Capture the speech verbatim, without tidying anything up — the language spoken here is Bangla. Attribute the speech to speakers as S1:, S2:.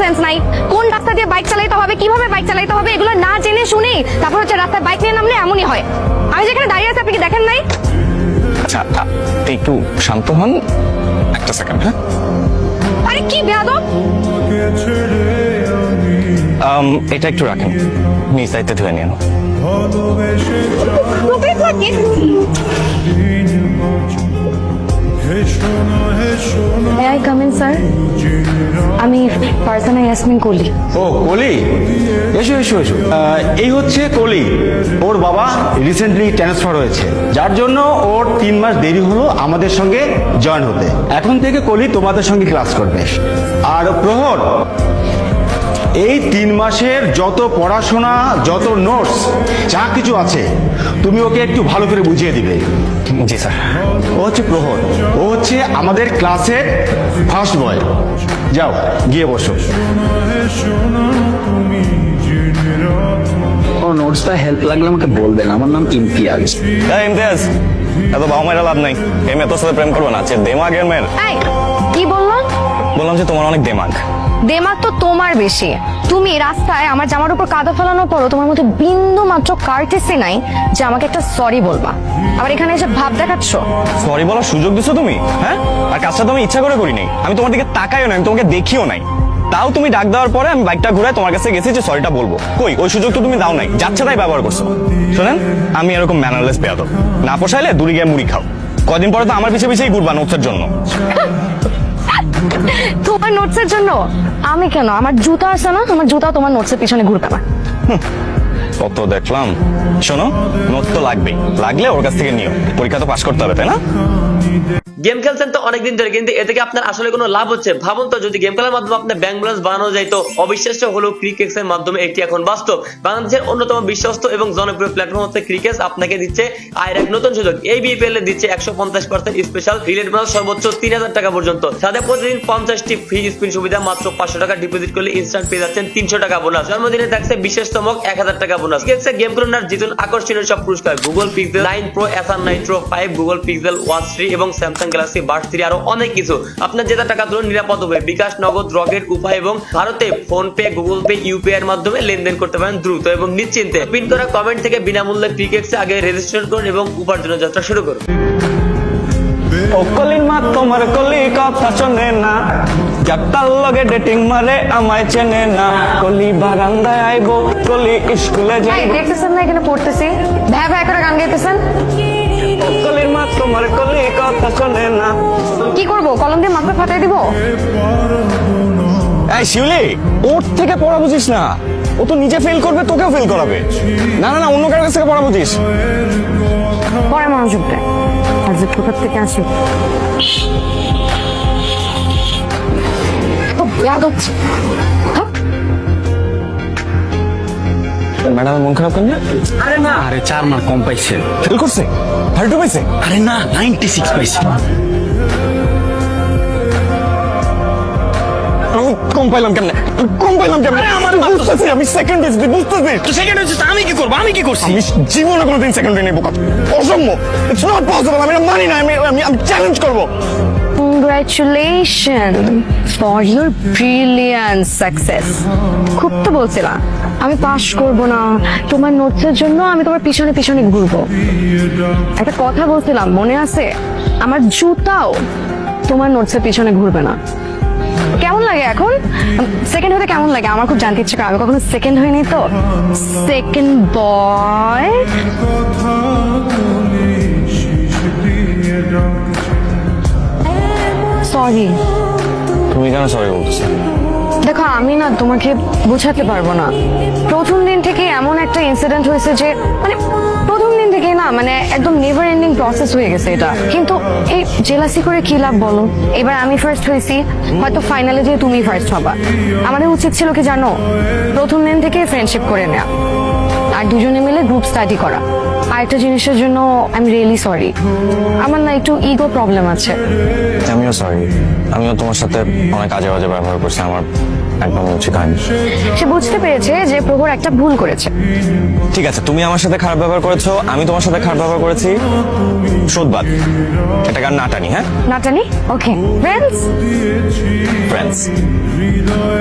S1: সেন্স নাই। কোন রাস্তা দিয়ে বাইক চালাতে হবে, কিভাবে বাইক চালাতে হবে, এগুলো না জেনে শুনেই তারপর হচ্ছে রাস্তায় বাইক নিয়ে নামলে এমনই হয়। আমি যেখানে দাঁড়িয়ে আছি আপনি কি দেখেন নাই?
S2: আচ্ছা একটু শান্ত হন, একটা সেকেন্ড। হ্যাঁ,
S1: আরে কি বেয়াদব!
S2: এটা একটু রাখেন, নিজ দায়িত্বে ধুয়ে নিন।
S1: রূপে থাকে। May I come in, sir? আমি ফারজানা ইয়াসমিন কলি।
S3: ও কলি, এসো এসো এসো। আহ, এই হচ্ছে কলি। ওর বাবা রিসেন্টলি ট্রান্সফার হয়েছে, যার জন্য ওর তিন মাস দেরি হলো আমাদের সঙ্গে জয়েন হতে। এখন থেকে কলি তোমাদের সঙ্গে ক্লাস করবে। আর প্রহর, এই তিন মাসের যত পড়াশোনা, যত নোটস, যা কিছু আছে তুমি ওকে একটু ভালো করে বুঝিয়ে দিবে।
S2: জি স্যার।
S3: ও হচ্ছে প্রহর, ও হচ্ছে আমাদের ক্লাসের ফার্স্ট বয়। যাও গিয়ে বসো।
S4: ও নোটস বা হেল্প লাগলে আমাকে বলবেন, আমার নাম ইমতিয়াজ।
S2: এই ইমতিয়াজ, এত বাবা মায়ের লাভ নাই, এই মেয়ে তোর সাথে প্রেম করবো না, দেমাগের মেয়ের।
S1: এই কি বললাম?
S2: বললাম যে তোমার অনেক দেমাগ।
S1: দেমাগ তো তোমার বেশি। তুমি রাস্তায় আমার জামার উপর কাদা ফেলানোর পরও তোমার মধ্যে বিন্দু মাত্র কার্টেসি নাই যে আমাকে একটা সরি বলবা। আবার এখানে এসে ভাব দেখাচ্ছ।
S2: সরি বলার সুযোগ দিছো তুমি? হ্যাঁ, আর কাজটা তো আমি ইচ্ছা করে করিনি। আমি তোমার দিকে তাকাইও না, আমি তোমাকে দেখিও নাই। তাও তুমি ডাক দেওয়ার পরে আমি বাইকটা ঘুরে তোমার কাছে গেছি যে সরিটা বলবো। কই, ওই সুযোগ তো তুমি দাও নাই, যাচ্ছে তাই ব্যবহার করছো। শোনেন, আমি এরকম ম্যানারলেস বেয়াদব না, পোষাইলে দূরে গিয়ে মুড়ি খাও। কদিন পরে তো আমার পিছে পিছেই ঘুরবা নোটসের জন্য।
S1: তোমার নোটসের জন্য? আমি কেন? আমার জুতা আছে না, আমার জুতা তোমার নোটসের পিছনে ঘুরবে না।
S2: কত দেখলাম। শোনো, নোট তো লাগবেই, লাগলে ওর কাছ থেকে নিও, পরীক্ষা তো পাশ করতে হবে, তাই না?
S5: গেম খেলছেন তো অনেকদিন ধরে, কিন্তু এ থেকে আপনার আসলে কোনো লাভ হচ্ছে? ভাবুন তো, যদি গেম খেলার মাধ্যমে আপনার ব্যাংক ব্যালেন্স বানানো যায় তো অবিশ্বাস্য হলেও ক্রিকেক্স এর মাধ্যমে এটি এখন বাস্তব। বাংলাদেশের অন্যতম বিশ্বস্ত এবং জনপ্রিয় প্ল্যাটফর্ম হচ্ছে ক্রিকেক্স আপনাকে দিচ্ছে আয়ের এক নতুন সুযোগ। এই বিপিএল এ দিচ্ছে একশো পঞ্চাশ পার্সেন্ট স্পেশাল রিলেট বোনাস সর্বোচ্চ তিন হাজার টাকা পর্যন্ত। সাথে প্রতিদিন পঞ্চাশটি ফ্রি স্পিন সুবিধা, মাত্র পাঁচশো টাকা ডিপোজিট করলে ইনস্ট্যান্ট পেয়ে যাচ্ছেন তিনশো টাকা বোনাস। জন্মদিনে থাকছে বিশেষ চমক এক হাজার টাকা বোনাস। ক্রিকেক্সে গেম খেলুন আর জিতুন আকর্ষণীয় সব পুরস্কার: Google Pixel nine Pro, Acer Nitro five, Google Pixel Watch three এবং স্যামসাং গ্যালাক্সি বার্ড থ্রি, আরো অনেক কিছু। আপনার জেতা টাকা তুলুন নিরাপদভাবে বিকাশ, নগদ, রকেট, উপায় এবং ভারতে PhonePe, Google Pay, UPI এর মাধ্যমে লেনদেন করতে পারেন দ্রুত এবং নিশ্চিন্তে। পিন করা কমেন্ট থেকে বিনামূল্যে ক্রিকেক্সে আগে রেজিস্ট্রেশন করুন এবং উপার্জনের যাত্রা শুরু করুন।
S2: ও কলির মা তোমার কলি কথা শোনে না, যাত্রার লগে ডেটিং মারে আমায় চেনে না। কলি বারান্দায় আইবো, কলি স্কুলে
S1: এই
S2: যাইবো।
S1: দেখতেছেন না এখানে পড়তেছি, ভ্যা ভ্যা করে গান গাইতেছেন।
S2: কলির মা তোমার কলি কথা শোনে না।
S1: কি করবো, কলম দিয়ে মাথা ফাটাই দিব?
S2: এই শিউলি, ওর থেকে পড়া বুঝিস না, ও তো নিজে ফেল করবে, তোকেও ফেল করাবে। না না না, অন্য কারোর কাছ থেকে পড়া বুঝিস।
S1: পরে মনোযোগ দেয়, আর যে কোথার থেকে আসি
S2: ম্যাডামের মন খারাপ কেন?
S4: আরে না, আরে চার মার্ক কম পাইছে।
S2: ফেল করছে? থার্টি টু পাইছে?
S4: আরে না, নাইনটি সিক্স পাইছে।
S2: আমি কম পাইলাম কেমনে? আমি কম পাইলাম কেমনে?
S4: আমার
S2: বুঝতেছি, আমি সেকেন্ড হয়েছি, বুঝতেছি।
S4: তো সেকেন্ড হচ্ছে, আমি কি করবো? আমি কি করছি?
S2: আমি জীবনে কোনোদিন সেকেন্ড হয়ে নেবো, অসম্ভব। It's not possible. আমি এটা মানি না, আমি আমি আমি চ্যালেঞ্জ করবো।
S1: Congratulations for your brilliant success. খুব তো বলছিলাম আমি পাশ করব না, তোমার নোটসের জন্য আমি তোমার পিছনে পিছনে ঘুরবো। একটা কথা বলছিলাম মনে আছে? আমার জুতাও তোমার নোটসের পিছনে ঘুরবে না। কেমন লাগে এখন সেকেন্ড হতে? কেমন লাগে? আমার খুব জানতে ইচ্ছে করে, আমি কখনো সেকেন্ড হইনি তো। Second boy. সরি।
S2: তুমি কেন সরি বলছো?
S1: দেখো, আমি না তোমাকে বোঝাতে পারবো না। প্রথম দিন থেকে এমন একটা ইনসিডেন্ট হয়েছে যে মানে প্রথম দিন থেকে না মানে একদম নেভার এন্ডিং প্রসেস হয়ে গেছে এটা। কিন্তু এই জেলাসি করে কি লাভ বলো? এবার আমি ফার্স্ট হয়েছি, হয়তো ফাইনালে যে তুমি ফার্স্ট হবা। আমাদের উচিত ছিল কি জানো, প্রথম দিন থেকে ফ্রেন্ডশিপ করে নেওয়া আর দুজনে মিলে গ্রুপ স্টাডি করা। আর একটা জিনিসের জন্য আই এম রিয়েলি সরি, আমার না একটু ইগো প্রবলেম আছে।
S2: আমিও সরি, আমিও তোমার সাথে অনেক আজে বাজে ব্যবহার করছি, আমার একদম উচিত হয়নি।
S1: সে বুঝতে পেরেছে যে প্রভুর একটা ভুল করেছে।
S2: ঠিক আছে, তুমি আমার সাথে খারাপ ব্যবহার করেছো, আমি তোমার সাথে খারাপ ব্যবহার করেছি, শোধবাদ। এটা গান নাটানি। হ্যাঁ,
S1: নাটানি। ওকে, ফ্রেন্ডস।
S2: ফ্রেন্ডস।